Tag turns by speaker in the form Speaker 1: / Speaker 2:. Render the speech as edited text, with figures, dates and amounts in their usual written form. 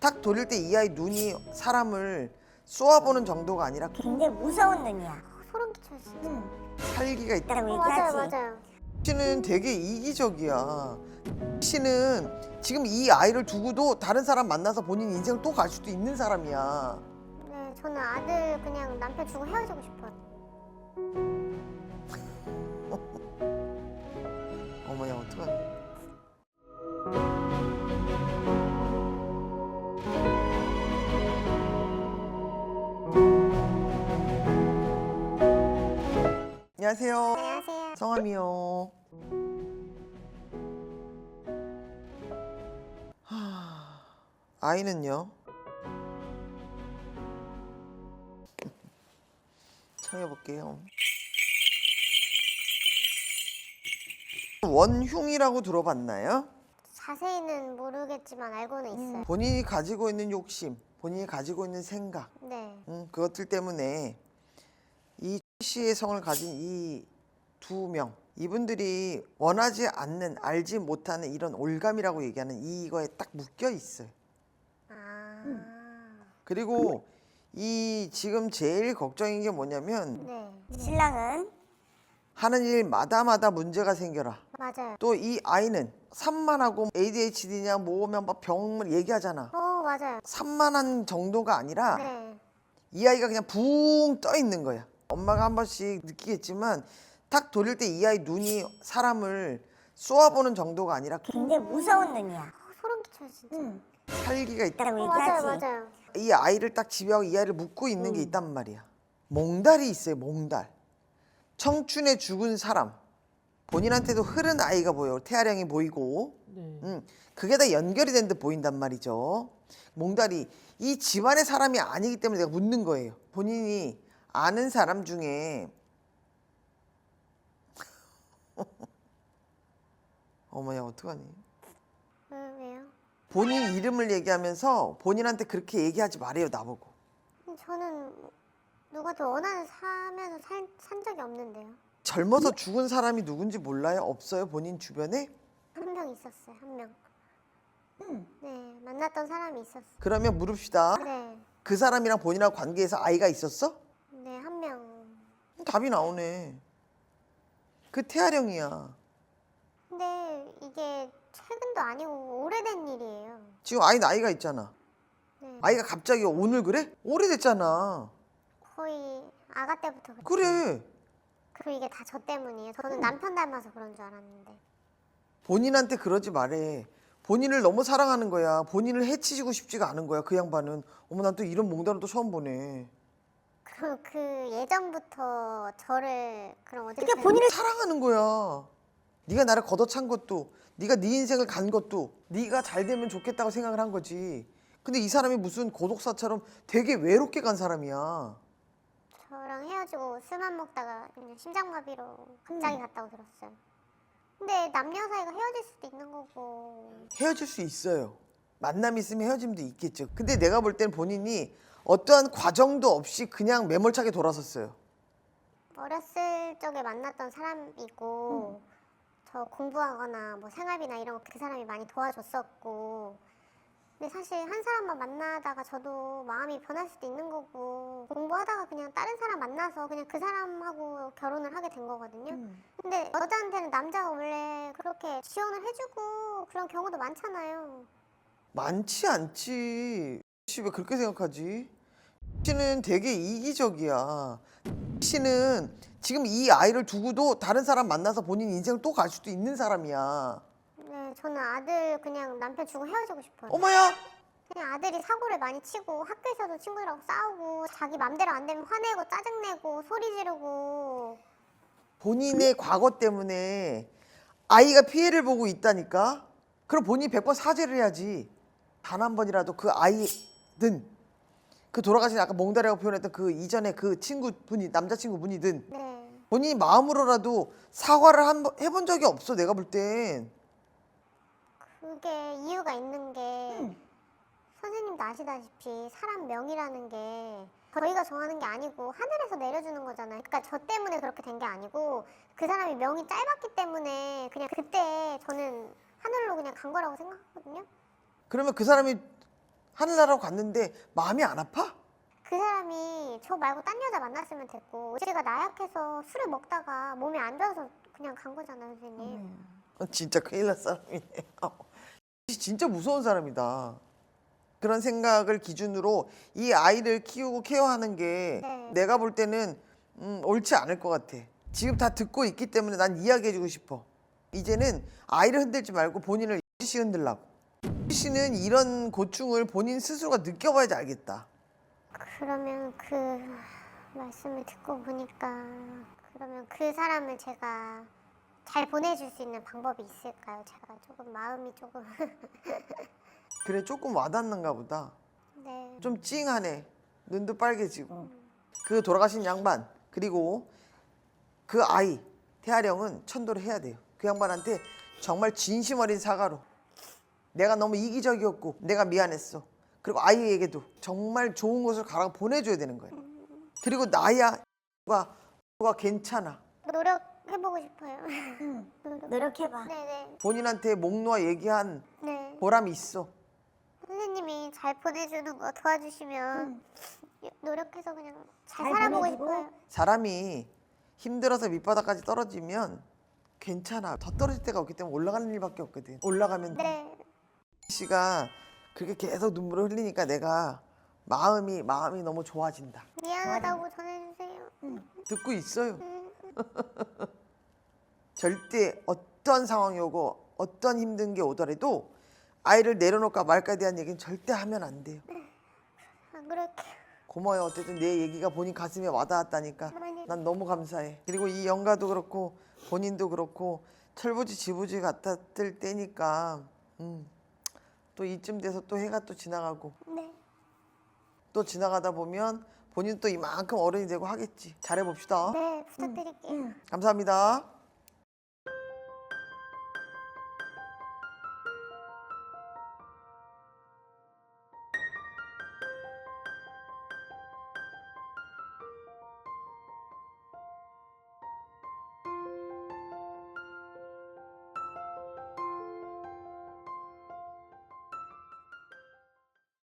Speaker 1: 딱 돌릴 때 이 아이 눈이 사람을 쏘아보는 정도가 아니라
Speaker 2: 굉장히 무서운 눈이야.
Speaker 3: 소름 끼쳐요 진짜.
Speaker 1: 살기가 있다.
Speaker 2: 라고
Speaker 3: 맞아요
Speaker 2: 얘기하지.
Speaker 3: 맞아요.
Speaker 1: 씨는 되게 이기적이야. 씨는 지금 이 아이를 두고도 다른 사람 만나서 본인 인생을 또 갈 수도 있는 사람이야.
Speaker 3: 네 저는 아들 그냥 남편 주고 헤어지고 싶어요.
Speaker 1: 어머야 어떡하니. 안녕하세요.
Speaker 3: 안녕하세요.
Speaker 1: 성함이요. 아이는요? 청해볼게요. 원흉이라고 들어봤나요?
Speaker 3: 자세히는 모르겠지만 알고는 있어요.
Speaker 1: 본인이 가지고 있는 욕심, 본인이 가지고 있는 생각,
Speaker 3: 네.
Speaker 1: 그것들 때문에 이 씨의 성을 가진 이 두 명, 이분들이 원하지 않는, 알지 못하는 이런 올감이라고 얘기하는 이거에 딱 묶여 있어요.
Speaker 3: 아.
Speaker 1: 그리고 이 지금 제일 걱정인 게 뭐냐면
Speaker 3: 네.
Speaker 2: 신랑은
Speaker 1: 하는 일마다마다 문제가 생겨라.
Speaker 3: 맞아요.
Speaker 1: 또 이 아이는 산만하고 ADHD냐 뭐면 막 병을 얘기하잖아.
Speaker 3: 맞아요.
Speaker 1: 산만한 정도가 아니라
Speaker 3: 네.
Speaker 1: 이 아이가 그냥 붕 떠 있는 거야. 엄마가 한 번씩 느끼겠지만 딱 돌릴 때 이 아이 눈이 사람을 쏘아보는 정도가 아니라
Speaker 2: 굉장히 무서운 눈이야.
Speaker 3: 소름 끼쳐요 진짜.
Speaker 1: 살기가 있다.
Speaker 2: 라고
Speaker 3: 맞아요
Speaker 2: 얘기하지.
Speaker 3: 맞아요.
Speaker 1: 이 아이를 딱 집요하고 이 아이를 묶고 있는 게 있단 말이야. 몽달이 있어요. 몽달. 청춘에 죽은 사람. 본인한테도 흐른 아이가 보여. 태아령이 보이고. 그게 다 연결이 된 듯 보인단 말이죠. 몽달이 이 집안의 사람이 아니기 때문에 내가 묻는 거예요. 본인이 아는 사람 중에 어머야 어떡하니.
Speaker 3: 왜요?
Speaker 1: 본인 이름을 얘기하면서 본인한테 그렇게 얘기하지 말아요. 나보고.
Speaker 3: 저는 누구한테 원하는 사면서 산 적이 없는데요.
Speaker 1: 젊어서 죽은 사람이 누군지 몰라요? 없어요? 본인 주변에?
Speaker 3: 한 명 있었어요. 한 명. 네 만났던 사람이 있었어요.
Speaker 1: 그러면 물읍시다.
Speaker 3: 네.
Speaker 1: 그 사람이랑 본인하고 관계에서 아이가 있었어?
Speaker 3: 네 한 명.
Speaker 1: 답이 나오네. 그 태아령이야.
Speaker 3: 근데 이게 최근도 아니고 오래된 일이에요.
Speaker 1: 지금 아이 나이가 있잖아.
Speaker 3: 네.
Speaker 1: 아이가 갑자기 오늘 그래? 오래됐잖아.
Speaker 3: 거의 아가 때부터
Speaker 1: 그래.
Speaker 3: 그리고 이게 다 저 때문이에요. 저는 남편 닮아서 그런 줄 알았는데.
Speaker 1: 본인한테 그러지 말해. 본인을 너무 사랑하는 거야. 본인을 해치시고 싶지가 않은 거야. 그 양반은. 어머 난 또 이런 몽달은 또 처음 보네.
Speaker 3: 그럼 그 예전부터 저를 그럼 어떻게
Speaker 2: 그러니까 본인을
Speaker 1: 사랑하는 거야. 네가 나를 걷어찬 것도, 네가 네 인생을 간 것도, 네가 잘 되면 좋겠다고 생각을 한 거지. 근데 이 사람이 무슨 고독사처럼 되게 외롭게 간 사람이야.
Speaker 3: 저랑 헤어지고 술만 먹다가 그냥 심장마비로 갑자기 갔다고 들었어요. 근데 남녀 사이가 헤어질 수도 있는 거고.
Speaker 1: 헤어질 수 있어요. 만남이 있으면 헤어짐도 있겠죠. 근데 내가 볼 때는 본인이 어떠한 과정도 없이 그냥 매몰차게 돌아섰어요.
Speaker 3: 어렸을 적에 만났던 사람이고 저 공부하거나 뭐 생활비나 이런 거 그 사람이 많이 도와줬었고. 근데 사실 한 사람만 만나다가 저도 마음이 변할 수도 있는 거고 공부하다가 그냥 다른 사람 만나서 그냥 그 사람하고 결혼을 하게 된 거거든요. 근데 여자한테는 남자가 원래 그렇게 지원을 해주고 그런 경우도 많잖아요.
Speaker 1: 많지 않지. 씨 왜 그렇게 생각하지? 씨는 되게 이기적이야. 씨는 지금 이 아이를 두고도 다른 사람 만나서 본인 인생을 또 갈 수도 있는 사람이야.
Speaker 3: 네, 저는 아들 그냥 남편 주고 헤어지고 싶어요.
Speaker 1: 어머야!
Speaker 3: 그냥 아들이 사고를 많이 치고 학교에서도 친구들하고 싸우고 자기 맘대로 안 되면 화내고 짜증내고 소리 지르고.
Speaker 1: 본인의 과거 때문에 아이가 피해를 보고 있다니까? 그럼 본인이 100번 사죄를 해야지. 단 한 번이라도 그 아이든 그 돌아가신 아까 몽달이라고 표현했던 그 이전에 그 친구분이 남자친구분이든
Speaker 3: 네.
Speaker 1: 본인이 마음으로라도 사과를 해본 적이 없어. 내가 볼 땐.
Speaker 3: 그게 이유가 있는 게 선생님도 아시다시피 사람 명이라는 게 저희가 정하는 게 아니고 하늘에서 내려주는 거잖아요. 그러니까 저 때문에 그렇게 된 게 아니고 그 사람이 명이 짧았기 때문에 그냥 그때 저는 하늘로 그냥 간 거라고 생각하거든요.
Speaker 1: 그러면 그 사람이 하늘나라로 갔는데 마음이 안 아파?
Speaker 3: 그 사람이 저 말고 딴 여자 만났으면 됐고 제가 나약해서 술을 먹다가 몸이 안 좋아서 그냥 간 거잖아요, 선생님.
Speaker 1: 진짜 큰일 날 사람이네. 진짜 무서운 사람이다. 그런 생각을 기준으로 이 아이를 키우고 케어하는 게
Speaker 3: 네.
Speaker 1: 내가 볼 때는 옳지 않을 것 같아. 지금 다 듣고 있기 때문에 난 이야기해주고 싶어. 이제는 아이를 흔들지 말고 본인을 씨 흔들라고. 씨는 이런 고충을 본인 스스로가 느껴봐야지 알겠다.
Speaker 3: 그러면 그 말씀을 듣고 보니까 그러면 그 사람을 제가 잘 보내줄 수 있는 방법이 있을까요? 제가 조금 마음이 조금
Speaker 1: 그래 조금 와닿는가 보다.
Speaker 3: 네.
Speaker 1: 좀 찡하네. 눈도 빨개지고. 그 돌아가신 양반 그리고 그 아이 태아령은 천도를 해야 돼요. 그 양반한테 정말 진심 어린 사과로 내가 너무 이기적이었고 내가 미안했어. 그리고 아이에게도 정말 좋은 곳을 가라고 보내줘야 되는 거예요. 그리고 나야 가 괜찮아.
Speaker 3: 노력해보고 싶어요.
Speaker 2: 노력해봐.
Speaker 3: 네네.
Speaker 1: 본인한테 목 놓아 얘기한
Speaker 3: 네.
Speaker 1: 보람이 있어.
Speaker 3: 선생님이 잘 보내주는 거 도와주시면 노력해서 그냥 잘
Speaker 2: 잘
Speaker 3: 살아보고
Speaker 2: 보내주고.
Speaker 3: 싶어요.
Speaker 1: 사람이 힘들어서 밑바닥까지 떨어지면 괜찮아. 더 떨어질 때가 없기 때문에 올라가는 일밖에 없거든. 올라가면 돼.
Speaker 3: 네.
Speaker 1: 씨가 그렇게 계속 눈물을 흘리니까 내가 마음이 너무 좋아진다.
Speaker 3: 미안하다고 전해주세요.
Speaker 1: 듣고 있어요. 절대 어떤 상황이 오고 어떤 힘든 게 오더라도 아이를 내려놓을까 말까에 대한 얘기는 절대 하면 안 돼요.
Speaker 3: 안 그럴게요.
Speaker 1: 고마워요. 어쨌든 내 얘기가 본인 가슴에 와닿았다니까 난 너무 감사해. 그리고 이 영가도 그렇고 본인도 그렇고 철부지 같았을 때니까 또 이쯤 돼서 또 해가 또 지나가고
Speaker 3: 네.
Speaker 1: 또 지나가다 보면 본인 또 이만큼 어른이 되고 하겠지. 잘해봅시다.
Speaker 3: 네, 부탁드릴게요.
Speaker 1: 감사합니다.